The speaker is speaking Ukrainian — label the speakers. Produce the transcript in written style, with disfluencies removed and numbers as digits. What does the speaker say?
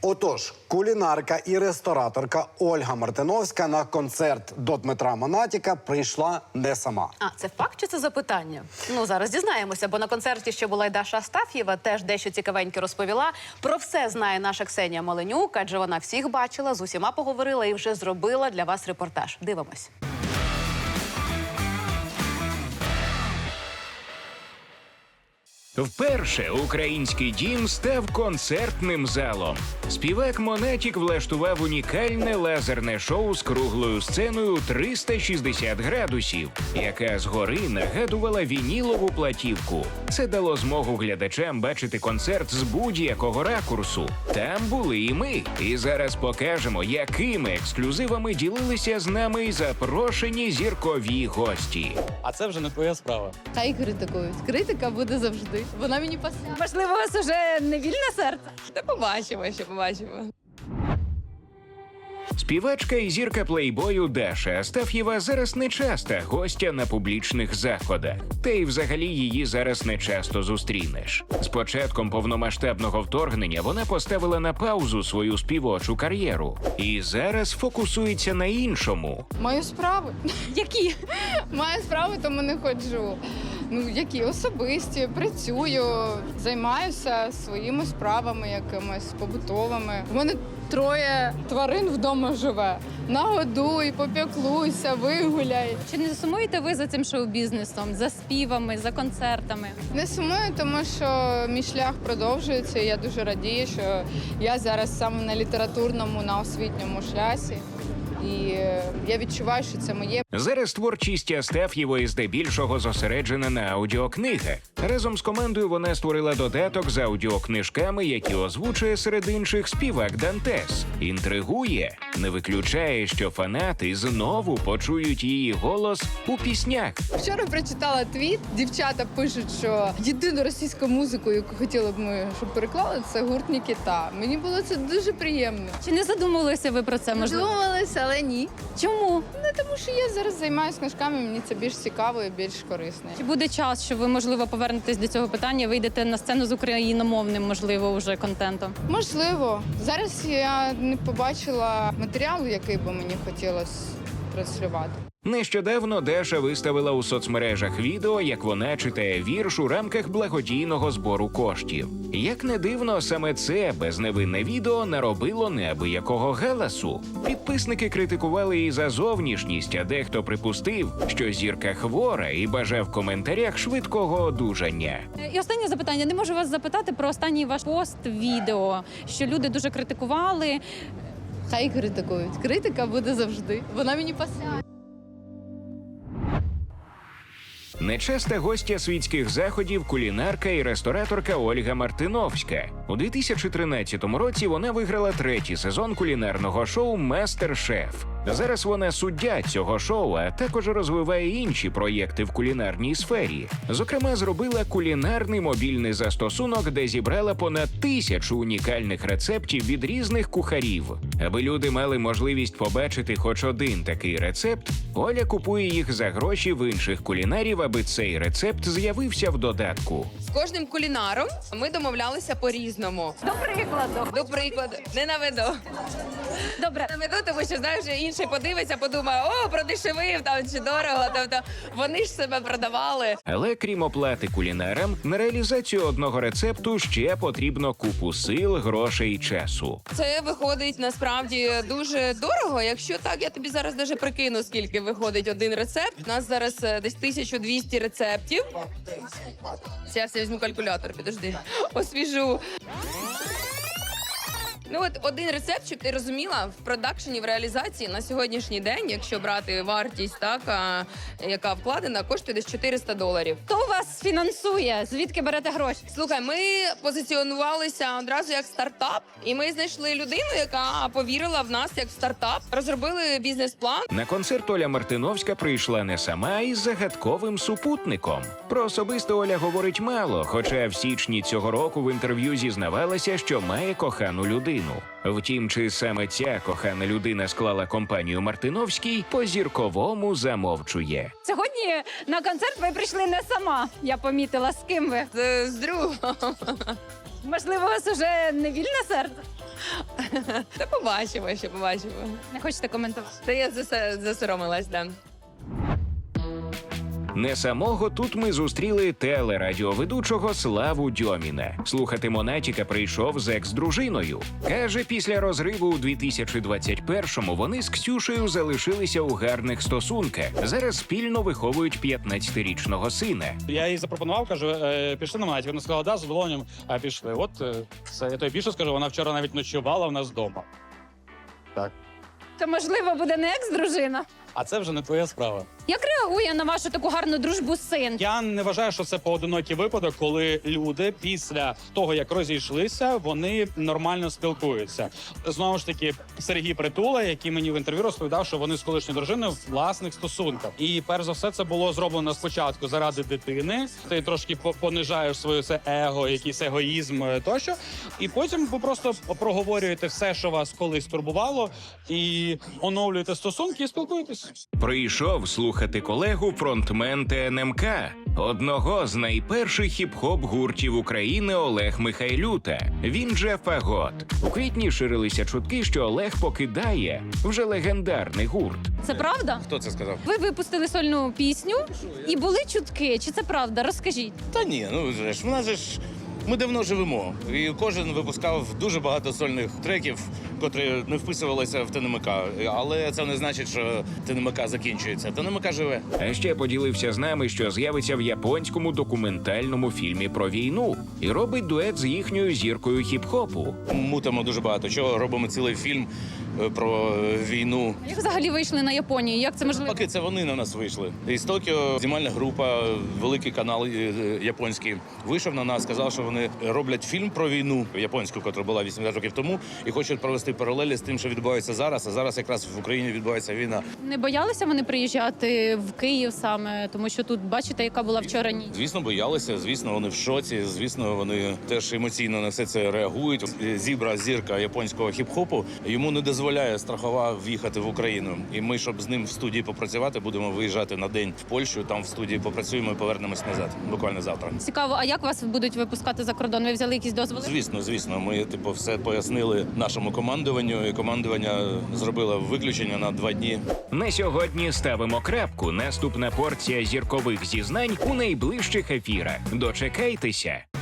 Speaker 1: Отож, кулінарка і рестораторка Ольга Мартиновська на концерт до Дмитра Монатіка прийшла не сама.
Speaker 2: А, це факт чи це запитання? Ну, зараз дізнаємося, бо на концерті ще була й Даша Астаф'єва, теж дещо цікавеньке розповіла. Про все знає наша Ксенія Маленюк, адже вона всіх бачила, з усіма поговорила і вже зробила для вас репортаж. Дивимось.
Speaker 3: Вперше український дім став концертним залом. Співак Монатік влаштував унікальне лазерне шоу з круглою сценою 360 градусів, яка згори нагадувала вінілову платівку. Це дало змогу глядачам бачити концерт з будь-якого ракурсу. Там були і ми. І зараз покажемо, якими ексклюзивами ділилися з нами запрошені зіркові гості.
Speaker 4: А це вже не твоя справа.
Speaker 5: Хай критикують. Критика буде завжди. Вона мені пасує.
Speaker 6: Можливо, у вас уже не вільне серце?
Speaker 5: Та побачимо, ще побачимо.
Speaker 3: Співачка і зірка плейбою Даша Астаф'єва зараз не часта гостя на публічних заходах. Та й взагалі її зараз не часто зустрінеш. З початком повномасштабного вторгнення вона поставила на паузу свою співочу кар'єру. І зараз фокусується на іншому.
Speaker 5: Маю справи.
Speaker 6: Які?
Speaker 5: Маю справи, тому не ходжу. Ну, які особисті, працюю, займаюся своїми справами якимись побутовими. У мене 3 тварин вдома живе. Нагодуй, попіклуйся, вигуляй.
Speaker 6: Чи не сумуєте ви за цим шоу-бізнесом, за співами, за концертами?
Speaker 5: Не сумую, тому що мій шлях продовжується. І я дуже радію, що я зараз саме на літературному, на освітньому шлясі. І я відчуваю, що це моє.
Speaker 3: Зараз творчість Астаф'євої здебільшого зосереджена на аудіокнигах. Разом з командою вона створила додаток з аудіокнижками, які озвучує серед інших співак Дантес. Інтригує, не виключає, що фанати знову почують її голос у піснях.
Speaker 5: Вчора прочитала твіт, дівчата пишуть, що єдину російську музику, яку хотіли б ми, щоб переклали, це гурт Нікіта. Мені було це дуже приємно.
Speaker 6: Чи не задумувалися ви про це, можливо?
Speaker 5: Задумалися, але ні.
Speaker 6: Чому?
Speaker 5: Ну, тому що я зараз займаюся книжками, мені це більш цікаво і більш корисно.
Speaker 6: Чи буде час, що ви, можливо, повернетесь до цього питання, вийдете на сцену з україномовним, можливо, уже контентом?
Speaker 5: Можливо. Зараз я не побачила матеріалу, який би мені хотілося транслювати.
Speaker 3: Нещодавно Даша виставила у соцмережах відео, як вона читає вірш у рамках благодійного збору коштів. Як не дивно, саме це безневинне відео наробило неабиякого галасу. Підписники критикували її за зовнішність, а дехто припустив, що зірка хвора і бажав в коментарях швидкого одужання.
Speaker 6: І останнє запитання. Не можу вас запитати про останній ваш пост-відео, що люди дуже критикували.
Speaker 5: Хай критикують. Критика буде завжди. Вона мені пасує.
Speaker 3: Нечаста гостя світських заходів – кулінарка і рестораторка Ольга Мартиновська. У 2013 році вона виграла 3-й сезон кулінарного шоу «Мастер-шеф». Зараз вона суддя цього шоу, а також розвиває інші проєкти в кулінарній сфері. Зокрема, зробила кулінарний мобільний застосунок, де зібрала понад 1000 унікальних рецептів від різних кухарів. Аби люди мали можливість побачити хоч один такий рецепт, Оля купує їх за гроші в інших кулінарів, аби цей рецепт з'явився в додатку.
Speaker 7: З кожним кулінаром ми домовлялися по-різному. До прикладу. Не наведу.
Speaker 6: Добре.
Speaker 7: Наведу, тому що, знаєш, інший подивиться, подумає, о, продешевив там чи дорого. Тобто вони ж себе продавали.
Speaker 3: Але крім оплати кулінарам, на реалізацію одного рецепту ще потрібно купу сил, грошей і часу.
Speaker 7: Це виходить насправді дуже дорого. Якщо так, я тобі зараз даже прикину, скільки виходить один рецепт. У нас зараз десь 1200 рецептів. Зараз я візьму калькулятор, підожди. Освіжу. Ну от один рецепт, щоб ти розуміла, в продакшені, в реалізації на сьогоднішній день, якщо брати вартість, так, яка вкладена, коштує десь $400.
Speaker 6: Хто вас фінансує? Звідки берете гроші?
Speaker 7: Слухай, ми позиціонувалися одразу як стартап, і ми знайшли людину, яка повірила в нас як в стартап, розробили бізнес-план.
Speaker 3: На концерт Оля Мартиновська прийшла не сама, а із загадковим супутником. Про особисте Оля говорить мало, хоча в січні цього року в інтерв'ю зізнавалася, що має кохану людину. Втім, чи саме ця кохана людина склала компанію Мартиновській, по-зірковому замовчує.
Speaker 6: Сьогодні на концерт ви прийшли не сама. Я помітила, з ким ви.
Speaker 7: З другом.
Speaker 6: Можливо, у вас уже не вільне серце?
Speaker 7: Та побачимо, ще побачимо.
Speaker 6: Не хочете коментувати?
Speaker 7: Та я засоромилась, да.
Speaker 3: Не самого тут ми зустріли телерадіоведучого Славу Дьоміна. Слухати Монатіка прийшов з екс-дружиною. Каже, після розриву у 2021-му вони з Ксюшею залишилися у гарних стосунках. Зараз спільно виховують 15-річного сина.
Speaker 4: Я їй запропонував, кажу, пішли на Монатік. Вона сказала, да, з задоволенням, а пішли. От це я тобі більше скажу, вона вчора навіть ночувала в нас вдома.
Speaker 6: То, можливо, буде не екс-дружина.
Speaker 4: А це вже не твоя справа.
Speaker 6: Як реагує на вашу таку гарну дружбу син?
Speaker 4: Я не вважаю, що це поодинокий випадок, коли люди після того, як розійшлися, вони нормально спілкуються. Знову ж таки, Сергій Притула, який мені в інтерв'ю розповідав, що вони з колишньою дружиною в власних стосунках. І перш за все, це було зроблено спочатку заради дитини. Ти трошки понижаєш своє це его, якийсь егоїзм тощо. І потім ви просто проговорюєте все, що вас колись турбувало, і оновлюєте стосунки і спілкуєтесь.
Speaker 3: Прийшов слухати колегу фронтмен ТНМК, одного з найперших хіп-хоп гуртів України Олег Михайлюта. Він же Фагот. У квітні ширилися чутки, що Олег покидає вже легендарний гурт.
Speaker 6: Це правда?
Speaker 8: Хто це сказав?
Speaker 6: Ви випустили сольну пісню і були чутки. Чи це правда? Розкажіть.
Speaker 8: Та ні, ну же ж, в нас же ж ми давно живемо. І кожен випускав дуже багато сольних треків, котрі не вписувалися в ТНМК. Але це не значить, що ТНМК закінчується. ТНМК живе.
Speaker 3: А ще поділився з нами, що з'явиться в японському документальному фільмі про війну і робить дует з їхньою зіркою хіп-хопу.
Speaker 8: Мутимо дуже багато чого, робимо цілий фільм про війну.
Speaker 6: Як взагалі вийшли на Японію? Як це можливо?
Speaker 8: Поки це вони на нас вийшли. Із Токіо знімальна група, великий канал японський, вийшов на нас, сказав, що вони роблять фільм про війну японську, яка була 80 років тому, і хочуть провести паралелі з тим, що відбувається зараз. А зараз якраз в Україні відбувається війна.
Speaker 6: Не боялися вони приїжджати в Київ саме, тому що тут бачите, яка була вчора ніч.
Speaker 8: Звісно, боялися, звісно, вони в шоці, звісно, вони теж емоційно на все це реагують. Зібра, зірка японського хіп-хопу, йому не дозволяє страхова в'їхати в Україну. І ми, щоб з ним в студії попрацювати, будемо виїжджати на день в Польщу, там в студії попрацюємо і повернемось назад, буквально завтра.
Speaker 6: Цікаво, а як вас будуть випускати за кордон? Ви взяли якісь дозволи?
Speaker 8: Звісно, ми все пояснили нашому командуванню, і командування зробило виключення на 2 дні.
Speaker 3: На сьогодні ставимо крапку. Наступна порція зіркових зізнань у найближчих ефірах. Дочекайтеся.